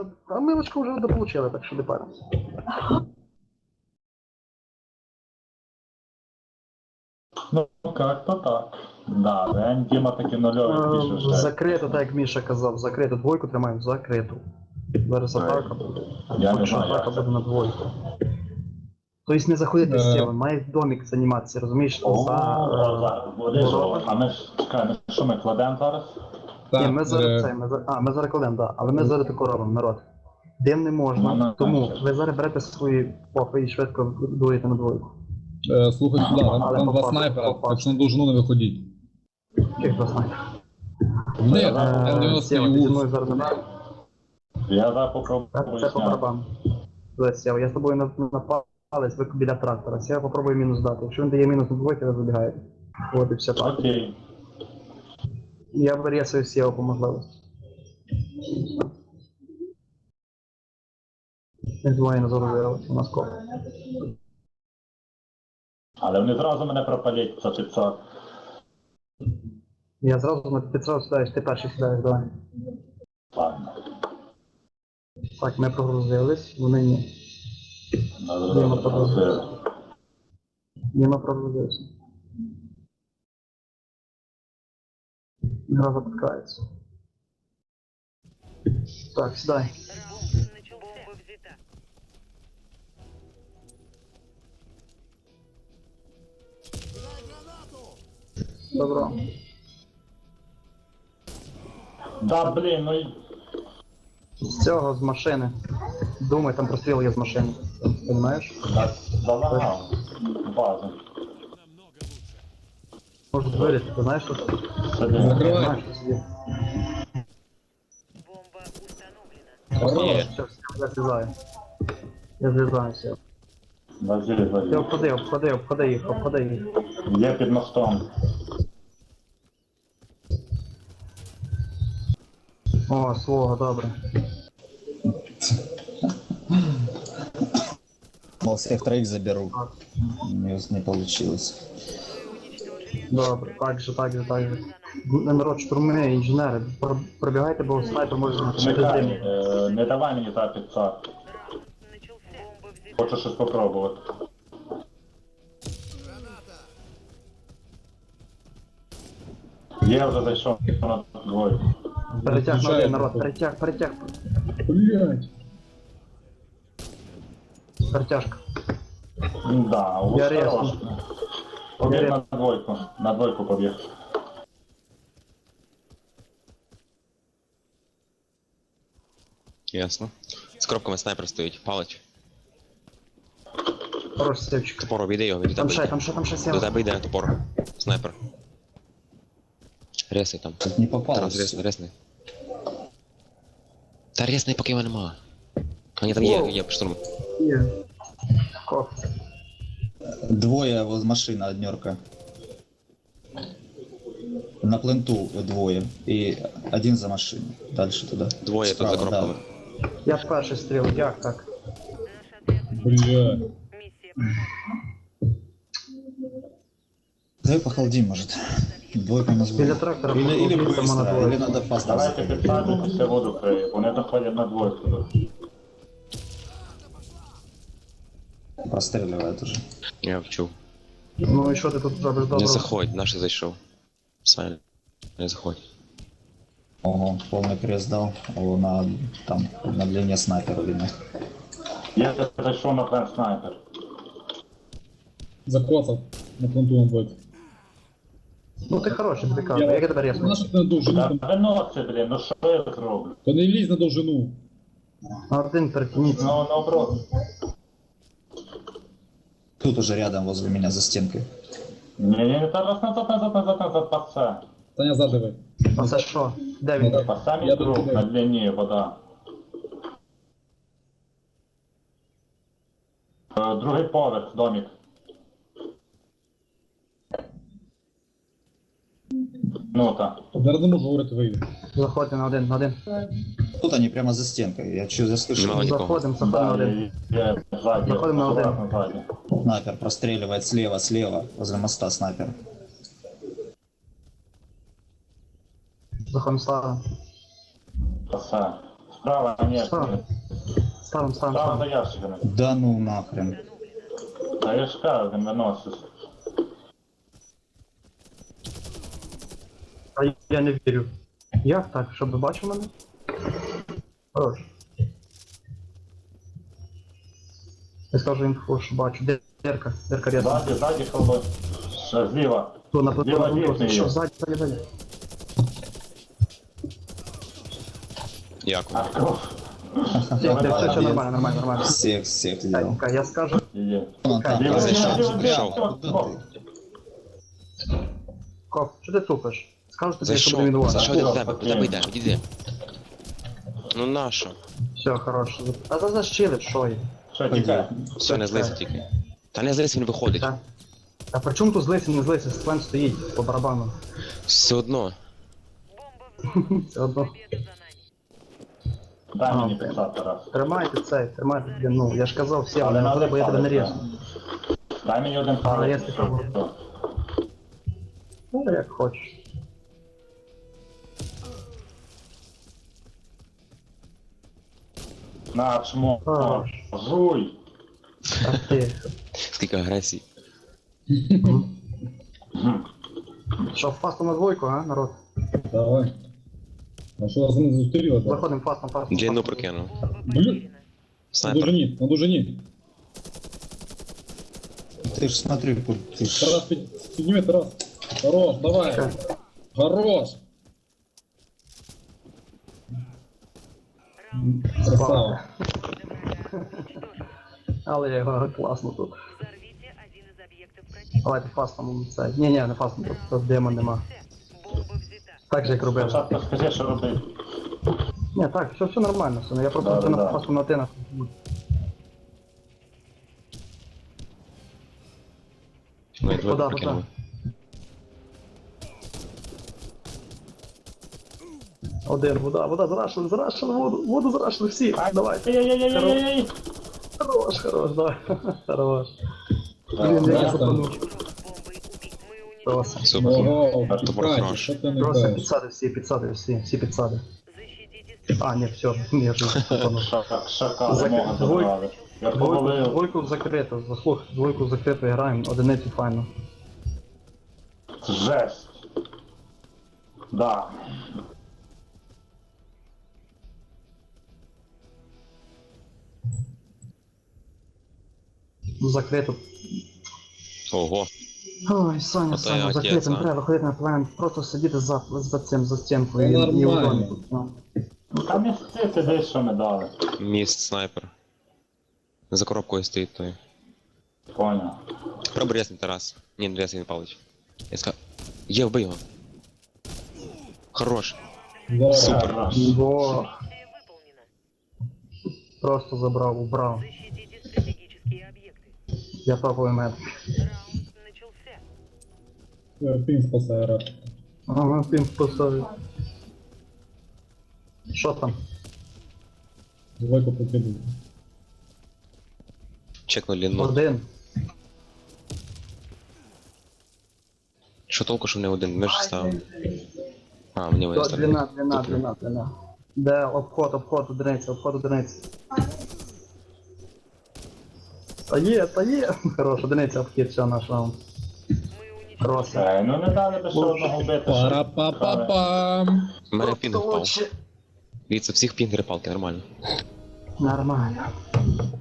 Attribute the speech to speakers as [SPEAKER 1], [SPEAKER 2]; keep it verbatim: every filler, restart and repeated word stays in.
[SPEAKER 1] вже... А ми очко вже дополучили, так що не паримося.
[SPEAKER 2] Ну, как-то так. Да, Дэн Діма таки нульовий пише вже.
[SPEAKER 1] Закрито, так як Міша казав, закрито. Двойку тримаємо, закриту. Зараз атака буде.
[SPEAKER 2] Я не
[SPEAKER 1] Поки що
[SPEAKER 2] знаю,
[SPEAKER 1] атака
[SPEAKER 2] як це.
[SPEAKER 1] буде на двойку. Тобто не заходити з цього, має домик займатися, розумієш?
[SPEAKER 2] О,
[SPEAKER 1] За...
[SPEAKER 2] о, зараз буде
[SPEAKER 1] е,
[SPEAKER 2] жовт. А ми ж, чекай, ми що ми кладемо зараз?
[SPEAKER 1] Ні, ми
[SPEAKER 3] Так,
[SPEAKER 1] зараз
[SPEAKER 3] е,
[SPEAKER 1] це, ми за... а, ми зараз кладемо, так. Але ми зараз тако робимо, народ. Дим не можна,
[SPEAKER 2] Ну, ну,
[SPEAKER 1] тому
[SPEAKER 2] так.
[SPEAKER 1] ви зараз берете свої попи і швидко дуєте на двойку.
[SPEAKER 3] е, слухай сюди, там,
[SPEAKER 1] Але
[SPEAKER 3] там два
[SPEAKER 1] попав,
[SPEAKER 3] снайпера,
[SPEAKER 1] попав.
[SPEAKER 3] так що на довжину не виходіть.
[SPEAKER 1] Яких два снайпер?
[SPEAKER 3] Вони,
[SPEAKER 2] Е,
[SPEAKER 3] М дев'яносто
[SPEAKER 1] Сєва, ти зі
[SPEAKER 3] і
[SPEAKER 1] мною
[SPEAKER 3] УЗ.
[SPEAKER 1] зараз не береш?
[SPEAKER 2] Я зараз попробую
[SPEAKER 1] Це по
[SPEAKER 2] зняти.
[SPEAKER 1] барабану. Дивись, Сєва, я з тобою на- напалець, ви біля трактора. Сєва попробує мінус дати. Якщо він дає мінус на двойки, ви забігаєте. От і все так.
[SPEAKER 2] Окей.
[SPEAKER 1] Я вирісую Сєва по можливості. Не двоє не загрузили, у нас коп.
[SPEAKER 2] Але вони зразу мене пропалять за п'ятсот.
[SPEAKER 1] Я зразу на п'ятсот сідаєш, ти перший сідаєш, давай.
[SPEAKER 2] Ладно.
[SPEAKER 1] Так, ми прогрузились, вони ні.
[SPEAKER 2] Надо
[SPEAKER 1] Діма
[SPEAKER 2] зразу
[SPEAKER 1] прогрузився.
[SPEAKER 2] прогрузити.
[SPEAKER 1] Діма прогрузився. Гра запускається. Так, сідай.
[SPEAKER 4] Бомба взята.
[SPEAKER 1] Добро.
[SPEAKER 2] Да, блін, ну і...
[SPEAKER 1] З цього, з машини. Думай, там простріл є з машини. Понимаєш?
[SPEAKER 2] Да, залагав. Базу.
[SPEAKER 1] Можуть вилізти, ти знаєш, що це?
[SPEAKER 2] Сиди.
[SPEAKER 3] Закривай.
[SPEAKER 1] Знаєш, що це є?
[SPEAKER 4] Бомба установлена.
[SPEAKER 1] Хорош, все, все, я злізаю. Я злізаюся.
[SPEAKER 2] Базі,
[SPEAKER 1] Ти
[SPEAKER 2] базі.
[SPEAKER 1] обходи, обходи, обходи їх, обходи їх.
[SPEAKER 2] Є під мостом.
[SPEAKER 1] О, свого, добре.
[SPEAKER 5] Мол, всех троих заберу. У меня не получилось.
[SPEAKER 1] Добре, так же, так же, так же. Народ, штурми, інженери, пр- пробігайте, бо снайпер може знати.
[SPEAKER 2] Чекай, е, не давай мені за п'ятсот.
[SPEAKER 4] Раунд начался. Бомба взята.
[SPEAKER 2] Хочу щось попробувати. Я вже зайшов на двойку.
[SPEAKER 1] Перетяг на один, народ, перетяг, перетяг.
[SPEAKER 3] Блять.
[SPEAKER 1] Перетяжка.
[SPEAKER 2] Да, у
[SPEAKER 1] Я
[SPEAKER 2] вас
[SPEAKER 1] резко.
[SPEAKER 2] хорош. Побіг
[SPEAKER 1] Я
[SPEAKER 2] на двойку. На двойку побіг.
[SPEAKER 6] Ясно. З коробками снайпер стоїть, палить.
[SPEAKER 1] Хорош, Севчик.
[SPEAKER 6] Топор обійди його, він до
[SPEAKER 1] Там
[SPEAKER 6] тебе
[SPEAKER 1] ще,
[SPEAKER 6] йде.
[SPEAKER 1] там ще, там ще
[SPEAKER 6] До
[SPEAKER 1] сіла.
[SPEAKER 6] тебе йде топор. Снайпер. Ресай там.
[SPEAKER 5] Тут не попалось.
[SPEAKER 6] Тарас, ресни, ресни. Та ресни, поки його нема. А ні, там є, є штурм.
[SPEAKER 1] Є. Коп.
[SPEAKER 5] Двое воз машина, однерка. На пленту двое. И один за машиной. Дальше туда.
[SPEAKER 6] Двоє тут
[SPEAKER 5] Справа,
[SPEAKER 6] за коробками.
[SPEAKER 5] да.
[SPEAKER 1] Я перший стріл, як так?
[SPEAKER 4] Наш отряд
[SPEAKER 3] Бля.
[SPEAKER 4] миссия провальна.
[SPEAKER 5] Давай похолодим, может. Двойка нас
[SPEAKER 1] Біля
[SPEAKER 5] будет.
[SPEAKER 1] трактора
[SPEAKER 5] Или, или
[SPEAKER 1] похолодим, там вона
[SPEAKER 5] быстро,
[SPEAKER 1] двоє.
[SPEAKER 5] или надо фаст.
[SPEAKER 2] Давайте підсаджуйтеся воду криє. Вони заходять на двойку.
[SPEAKER 5] Простреливает уже.
[SPEAKER 6] Я вчув.
[SPEAKER 1] Ну і що ти тут робиш
[SPEAKER 6] Не
[SPEAKER 1] добре?
[SPEAKER 6] заходь, наш зайшов. Саня, не заходь.
[SPEAKER 5] Ого, полный крест дал. О, на, там, на длине снайпера видно.
[SPEAKER 2] Я зайшов на план снайпер.
[SPEAKER 3] Закоцав на планту на двойку.
[SPEAKER 1] Ну ти хороший, тобі кажу, як я тебе різко?
[SPEAKER 3] Знаєш, як на довжину
[SPEAKER 2] Та
[SPEAKER 3] там.
[SPEAKER 2] виноси, блін, ну що я зроблю?
[SPEAKER 3] То не лізь на довжину.
[SPEAKER 1] На один перетяніться.
[SPEAKER 2] Ну, наоборот.
[SPEAKER 5] Тут уже рядом возле меня за стенкой.
[SPEAKER 2] Ні-ні, зараз назад, назад, назад, назад, пасе.
[SPEAKER 3] Саня задавай.
[SPEAKER 1] А це що? Де він?
[SPEAKER 2] По самій
[SPEAKER 3] Я
[SPEAKER 2] круг,
[SPEAKER 3] тут
[SPEAKER 2] на длині вода. Е, Другий поверх, домик. Ну так.
[SPEAKER 3] Зараз не можу говорити, вийде.
[SPEAKER 1] Заходимо на один, на один.
[SPEAKER 5] Тут они прямо за стенкой. Я что, я слышу?
[SPEAKER 6] Нема нікого.
[SPEAKER 1] Заходимо, заходимо на
[SPEAKER 2] Да,
[SPEAKER 1] один.
[SPEAKER 2] є, є, ззаді,
[SPEAKER 1] Заходимо на один.
[SPEAKER 2] акуратно ззаді.
[SPEAKER 5] Снайпер простреливает слева, слева. Возле моста снайпер.
[SPEAKER 1] Заходимо слава.
[SPEAKER 2] Пасе. Справа, ні.
[SPEAKER 1] Ставим. Ставим, ставим,
[SPEAKER 2] Справа
[SPEAKER 1] ставим.
[SPEAKER 2] за ящиками.
[SPEAKER 5] Да ну нахрен.
[SPEAKER 2] Та я ж кажу, він виносиш.
[SPEAKER 1] А я не вірю. Як так? Щоб ви бачив мене? Хорош. Я скажу інфу, що бачу. Де- Дерка, дерка рядом.
[SPEAKER 2] Ззаді, ззаді, коло. Ще зліва.
[SPEAKER 1] Тут на плиту,
[SPEAKER 2] Зліва
[SPEAKER 1] на плиту.
[SPEAKER 2] дійсний
[SPEAKER 1] Що,
[SPEAKER 2] є.
[SPEAKER 1] ззаді, ззаді, ззаді.
[SPEAKER 6] Дякую.
[SPEAKER 2] А, кров.
[SPEAKER 1] Все, все, все, все нормально, нормально, нормально.
[SPEAKER 5] Всех, всех взял.
[SPEAKER 1] Так, я скажу.
[SPEAKER 2] Є.
[SPEAKER 5] Ну, там,
[SPEAKER 2] Зліва,
[SPEAKER 6] Я
[SPEAKER 2] зліва,
[SPEAKER 6] зайшов,
[SPEAKER 2] зліва,
[SPEAKER 6] зайшов.
[SPEAKER 2] зліва.
[SPEAKER 5] Куда ты?
[SPEAKER 1] Коп, що ти тупиш? Скажу тобі, що
[SPEAKER 6] Зайшов.
[SPEAKER 1] буде відбувати.
[SPEAKER 6] Зайшов до
[SPEAKER 2] О,
[SPEAKER 6] тебе.
[SPEAKER 2] окей.
[SPEAKER 6] Куди ви йдеш? Іди. Ну нащо?
[SPEAKER 1] Все, хорош. А за защили, що є?
[SPEAKER 2] Що, тікай?
[SPEAKER 6] Все, не злися тільки. Та не злися, він виходить.
[SPEAKER 1] Так. А при чому тут злися, не злися? Склен стоїть по барабану.
[SPEAKER 6] Все одно.
[SPEAKER 4] Бомба
[SPEAKER 1] Все одно.
[SPEAKER 4] победа за нами.
[SPEAKER 2] Дай мені
[SPEAKER 1] А,
[SPEAKER 2] писати раз.
[SPEAKER 1] Тримайте цей, тримайте. Ну, я ж казав всім,
[SPEAKER 2] Але
[SPEAKER 1] але не
[SPEAKER 2] надо
[SPEAKER 1] буде, бо я тебе не
[SPEAKER 2] палець,
[SPEAKER 1] різну.
[SPEAKER 2] Дай мені один
[SPEAKER 1] Але
[SPEAKER 2] палець.
[SPEAKER 1] якщо що. Ну, як хочеш.
[SPEAKER 2] На, чмо.
[SPEAKER 1] Хорош.
[SPEAKER 2] Жуй.
[SPEAKER 1] А ти.
[SPEAKER 6] Скільки агресії.
[SPEAKER 2] Мгм.
[SPEAKER 1] Що, фастом на двойку, а, народ?
[SPEAKER 3] Давай. А що вас не зустріло? так?
[SPEAKER 1] Заходимо фастом, фастом.
[SPEAKER 6] Джейну
[SPEAKER 1] фастом.
[SPEAKER 6] прокинув.
[SPEAKER 4] Бомба
[SPEAKER 3] Блин.
[SPEAKER 4] потеряна.
[SPEAKER 3] На
[SPEAKER 6] Снайпер.
[SPEAKER 3] дужині, на дужині.
[SPEAKER 5] Ты ж смотри, ты ж...
[SPEAKER 3] Тарас, під- підніми, Тарас. Хорош, давай.
[SPEAKER 1] Все.
[SPEAKER 3] Хорош. Красава.
[SPEAKER 1] Але я його класно тут.
[SPEAKER 4] Взорвите один из объектов противника.
[SPEAKER 1] Давайте фастом це. Ні, ні, не фастом, тут, тут демон нема.
[SPEAKER 4] Бомба взята.
[SPEAKER 1] Так же як робив.
[SPEAKER 2] Спочатку скажи, що робити.
[SPEAKER 1] Ні, так, все, все нормально, все. Я
[SPEAKER 2] Да,
[SPEAKER 1] просто
[SPEAKER 2] да,
[SPEAKER 1] на
[SPEAKER 2] да.
[SPEAKER 1] фастом на ти на.
[SPEAKER 6] Ну і двоє
[SPEAKER 1] Куда,
[SPEAKER 6] прокинули.
[SPEAKER 1] Один, вода, вода, зарашили, зарашили, воду, воду зарашили всі. Давай.
[SPEAKER 2] Ай-яй-яй-яй-яй-яй.
[SPEAKER 1] Хорош, хорош, давай. Хорош.
[SPEAKER 2] Да,
[SPEAKER 1] Блін, я
[SPEAKER 3] да,
[SPEAKER 1] запанув.
[SPEAKER 4] Бомбой убить. Мы уничтожили.
[SPEAKER 1] Просто.
[SPEAKER 6] Супер.
[SPEAKER 3] Ого,
[SPEAKER 6] Топор
[SPEAKER 3] тікайте,
[SPEAKER 6] хорош.
[SPEAKER 3] що ти не
[SPEAKER 1] Просто
[SPEAKER 3] граєш?
[SPEAKER 1] підсади всі, підсади всі, всі підсади.
[SPEAKER 4] Защитите
[SPEAKER 1] А, ні, все, я ж запанув.
[SPEAKER 2] Шака, шака,
[SPEAKER 1] Зак-
[SPEAKER 2] мога
[SPEAKER 1] двой-
[SPEAKER 2] забрали. Я
[SPEAKER 1] Двойку,
[SPEAKER 2] повалив.
[SPEAKER 1] двойку закрито, заслух, двойку закрито граємо, одиницю файно.
[SPEAKER 2] Жесть. Да.
[SPEAKER 1] Закрито.
[SPEAKER 6] Ого.
[SPEAKER 1] Ой, Саня,
[SPEAKER 6] Ото я
[SPEAKER 1] Саня,
[SPEAKER 6] отець,
[SPEAKER 1] закрито, не
[SPEAKER 6] а.
[SPEAKER 1] треба виходити на план, просто сидіти за, за цим, за стінкою.
[SPEAKER 3] Ну,
[SPEAKER 1] і- і
[SPEAKER 3] нормально.
[SPEAKER 1] удобно тут, ну.
[SPEAKER 2] Ну там місце ти десь, що ми дали.
[SPEAKER 6] Міст снайпер. За коробкою стоїть той.
[SPEAKER 2] Поняв.
[SPEAKER 6] Пробуй рясний Тарас. Ні, не рясний Павлович. Я сказав. Є, вбий його. Хорош.
[SPEAKER 3] Давай.
[SPEAKER 6] Супер.
[SPEAKER 2] Хорош.
[SPEAKER 1] Бо
[SPEAKER 4] Миссия выполнена.
[SPEAKER 1] просто забрав, убрав.
[SPEAKER 4] Защитите стратегические объекты.
[SPEAKER 1] Я топовий мед.
[SPEAKER 4] Раунд начался.
[SPEAKER 3] Е, Пін спасає рад.
[SPEAKER 1] Ага, він поставив. Що там?
[SPEAKER 3] Двойку покидаю.
[SPEAKER 6] Чекну ліну.
[SPEAKER 1] Один.
[SPEAKER 6] Що толку, що не один? Ми ж ставимо. А, мені
[SPEAKER 1] До-
[SPEAKER 6] виставили.
[SPEAKER 1] Длина, длина,
[SPEAKER 6] Туплю.
[SPEAKER 1] длина, длина. Де обход, обход, одиниця, обход, одиниця. Та є, та є. Хорош, одиниця, обхід, все, наш раунд.
[SPEAKER 4] Мы уничтожили.
[SPEAKER 1] Хорош.
[SPEAKER 2] Ей, ну не дали би ще одного бити. що-
[SPEAKER 3] Пара-па-па-пам.
[SPEAKER 6] У мене пінг впав.
[SPEAKER 1] Короче,
[SPEAKER 6] Дивіться, всіх пінг палки, нормально.
[SPEAKER 1] нормально.